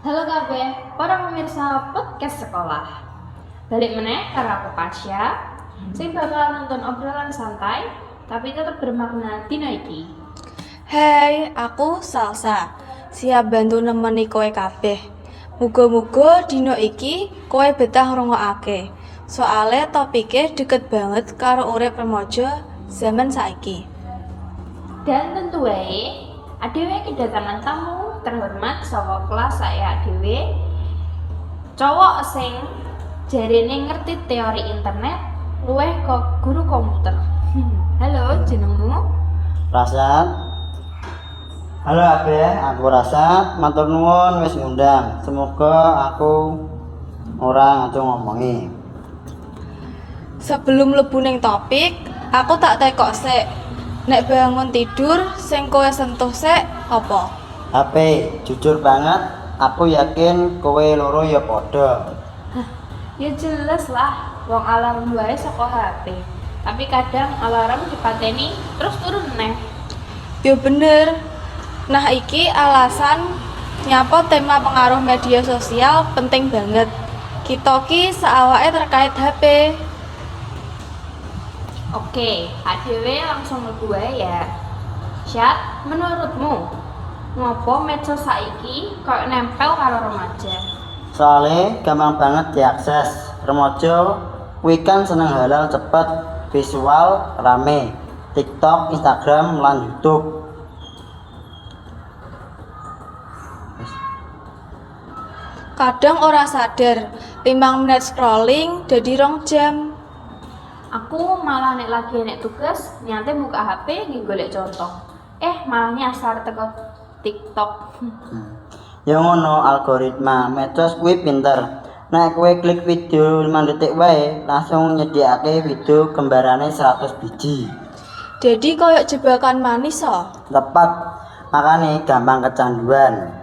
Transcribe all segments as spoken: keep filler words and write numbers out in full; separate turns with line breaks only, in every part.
Halo kabeh, para pemirsa podcast sekolah. Balik meneh karo aku Pasya, sing bakal nonton obrolan santai tapi tetap bermakna dina iki.
Hai, aku Salsa. Siap bantu nemeni kowe kabeh. Muga-muga dina iki kowe betah ngrungokake. Soale topike deket banget karo urip remaja zaman saiki.
Dan tentu wae, adewe kedatangan tamu terhormat saka kelas saya adewe. Cowok sing jarene ngerti teori internet, luweh kok guru komputer. Halo, jenengmu?
Rasad. Halo Abeh, aku Rasad. Matur nuwun wis ngundang. Semoga aku ora ngaco ngomongi.
Sebelum mlebu ning topik, aku tak tekok sik. Nek bangun tidur sing kowe sentuh sik apa?
H P, jujur banget, aku yakin kowe loro ya padha.
Ya jelas lah, wong alarm wae saka H P. Tapi kadang alarm dipateni terus turun neh.
Yo bener. Nah iki alasan nyapa tema pengaruh media sosial penting banget. Kita ki saawake terkait H P.
Oke, adewe langsung mlebu wae ya. Syat, menurutmu ngopo medsos saiki koyo nempel karo remaja?
Soale gampang banget diakses. Remaja kuwi kan seneng halal cepet, visual rame. TikTok, Instagram, lan YouTube.
Kadang ora sadar, limang menit scrolling dadi rong jam.
Aku malah nek lagi nek tugas niate buka H P nggih golek contoh. Eh, malah nyasar teko TikTok.
Hmm. Ya ngono algoritma medsos kuwi pinter. Nek kowe klik video lima detik wae, langsung nyediakake video gambarane seratus biji.
Jadi koyo jebakan manis oh.
Tepat, makane gampang kecanduan.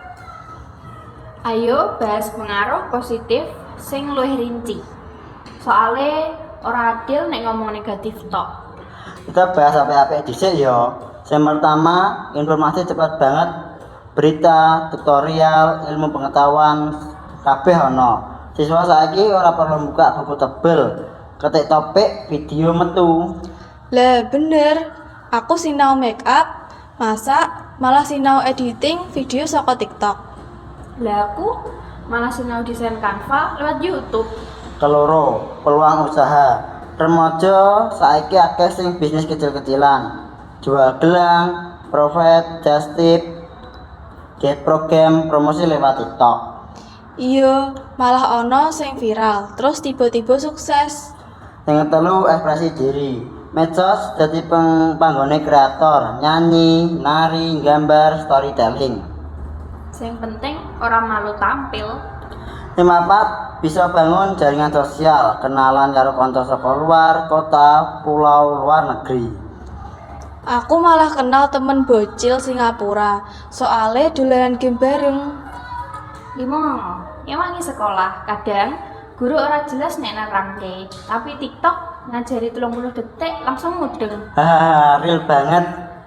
Ayo bahas pengaruh positif sing luwih rinci. Soale ora adil nek ngomong negatif tok.
Kita bahas apik-apik dhisik ya. Yang pertama, informasi cepat banget. Berita, tutorial, ilmu pengetahuan kabeh ana. Siswa saiki ora perlu buka buku tebel. Ketik topik, video metu.
Lah bener, aku sinau make up, masak, malah sinau editing video saka TikTok.
Lah aku malah sinau desain Canva lewat YouTube.
Keloro, peluang usaha. Remaja saiki akeh sing bisnis kecil-kecilan. Jual gelang, profit, just tip, get program, promosi lewat TikTok.
Iya, malah ono sing viral, terus tiba-tiba sukses.
Yang telu, ekspresi diri. Medsos jadi peng panggone kreator, nyanyi, nari, gambar, storytelling.
Sing penting orang malu tampil.
Lima empat, bisa bangun jaringan sosial, kenalan karo kanca saka luar kota, pulau, luar negeri.
Aku malah kenal temen bocil Singapura, soale dolanan game bareng.
Limo, nyewangi sekolah. Kadang guru ora jelas nek nerangke, tapi TikTok ngajari telung puluh detik langsung mudeng.
Hahaha, real banget.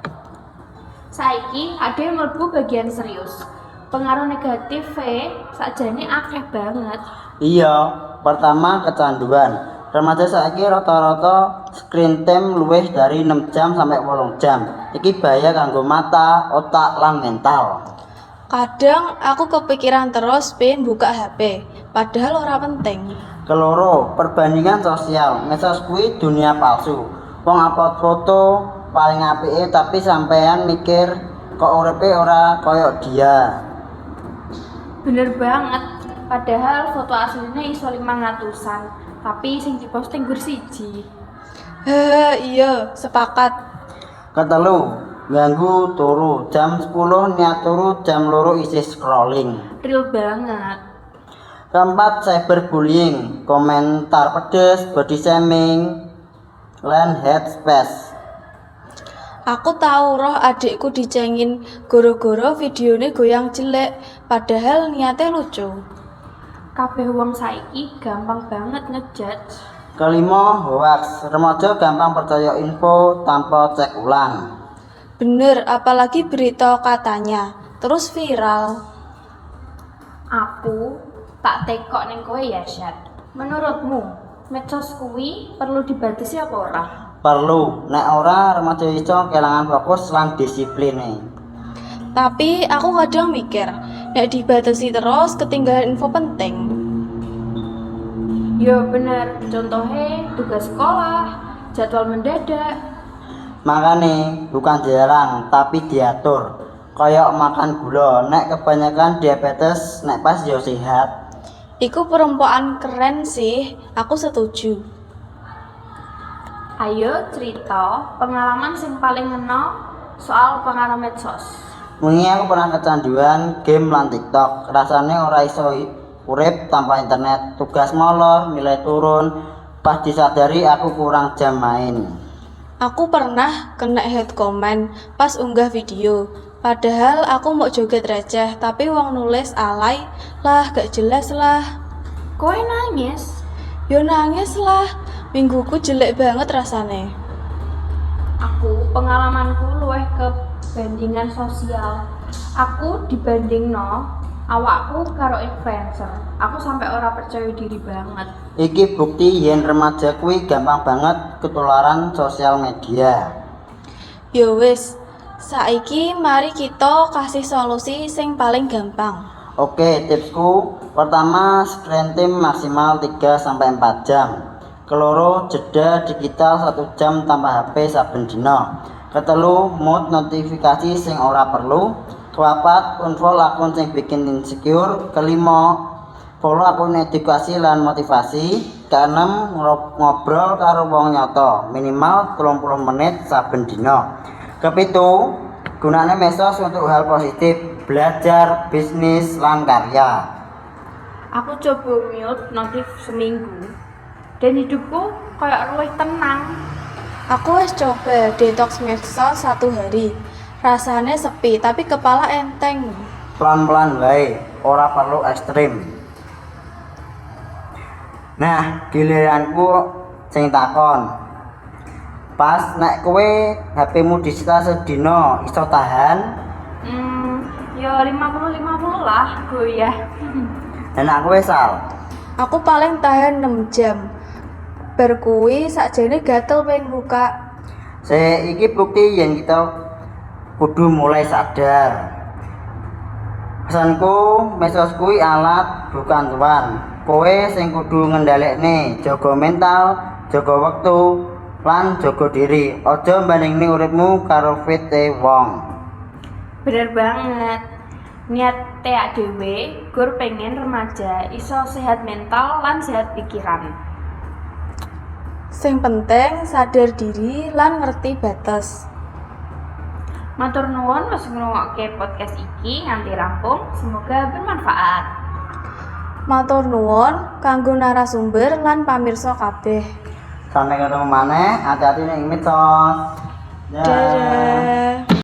Saiki ada yang mlebu bagian serius. Pengaruh negatif e sakjane akeh banget.
Iya, pertama kecanduan. Remaja saiki rata-rata screen time luwih dari enam jam sampai wolung jam. Iki bahaya kanggo mata, otak, lan mental.
Kadang aku kepikiran terus pengen buka H P, padahal ora penting.
Keloro, perbandingan sosial. Medsos kuwi dunia palsu. Wong upload foto paling apike tapi sampean mikir kok uripe ora koyo dia.
Bener banget. Padahal foto aslinya iso limang atusan, tapi sing diposting gur siji.
Heh, iya, sepakat.
Ketelu, ganggu turu. Jam sepuluh niat turu, jam loro isih scrolling.
Real banget.
Keempat, cyberbullying, komentar pedes, body shaming, lan hate speech.
Aku tahu roh adikku dicengin goro-goro videonya goyang jelek, padahal niatnya lucu.
Kabeh wong saiki gampang banget ngejudge.
Kelima, hoax. Remaja gampang percaya info tanpa cek ulang.
Bener, apalagi berita katanya, terus viral.
Aku tak tekok ning kowe ya, Syat. Menurutmu, medsos kuwi perlu dibatasi apa ora?
Perlu, nek ora remaja iso kelangan fokus lan disipline.
Tapi aku kadang mikir, nek dibatasi terus ketinggalan info penting.
Ya bener, contohnya tugas sekolah, jadwal mendadak.
Makane bukan dilarang tapi diatur. Kayak makan gula, nek kebanyakan diabetes, nek pas yo sehat.
Iku perempuan keren sih, aku setuju.
Ayo cerita pengalaman sing paling ngena soal pengaruh medsos.
Wingi aku pernah kecanduan game lan TikTok. Rasane ora iso urip tanpa internet. Tugas molor, nilai turun. Pas disadari aku kurang jam main.
Aku pernah kena hate comment pas unggah video. Padahal aku mau joget receh, tapi wong nulis alay lah, gak jelas lah.
Kowe nangis?
Yo nangis lah, mingguku jelek banget rasane.
Aku pengalamanku luwih ke bandingan sosial. Aku dibandingno awakku karo influencer. Aku sampai ora percaya diri banget.
Iki bukti yen remaja kuwi gampang banget ketularan sosial media.
Yo wis, saiki mari kita kasih solusi sing paling gampang.
Oke, tipsku pertama screen time maksimal tiga sampai empat jam. Keloro jeda digital satu jam tanpa H P saben dina. Ketelu mute notifikasi sing ora perlu. Kepapat unfollow akun sing bikin insecure. Kelima follow akun edukasi lan motivasi. Keenem ngobrol karo wong nyata minimal telung puluh menit saben dina. Kepitu gunane medsos untuk hal positif, belajar, bisnis, lan karya.
Aku coba mute notif seminggu dan hidupku kayak luwih tenang.
Aku wis coba detox medsos satu hari. Rasanya sepi tapi kepala enteng.
Pelan-pelan wae, ora perlu ekstrim. Nah, giliranku sing takon. Pas nek kowe H P-mu disita sedina iso tahan?
Hmm, ya lima puluh lima puluh lah, goyah.
Dan aku wesal.
Aku paling tahan enam jam. Berkuwi sakjane gatel pengen buka.
Se iki bukti yen kita kudu mulai sadar. Pesanku, medsos kuwi alat bukan tuan. Kowe sing kudu ngendhalekne, jaga mental, jaga wektu, lan jaga diri. Aja bandingne uripmu karo fite wong.
Bener banget. Niat tea dhewe gur pengen remaja iso sehat mental lan sehat pikiran.
Sing penting sadar diri lan ngerti batas.
Matur nuwun wis ngrungokke podcast iki nganti rampung. Semoga bermanfaat.
Matur nuwun kanggo narasumber lan pamirsa kabeh.
Sampai ketemu maneh, hati-hati ning medsos.
Dadah.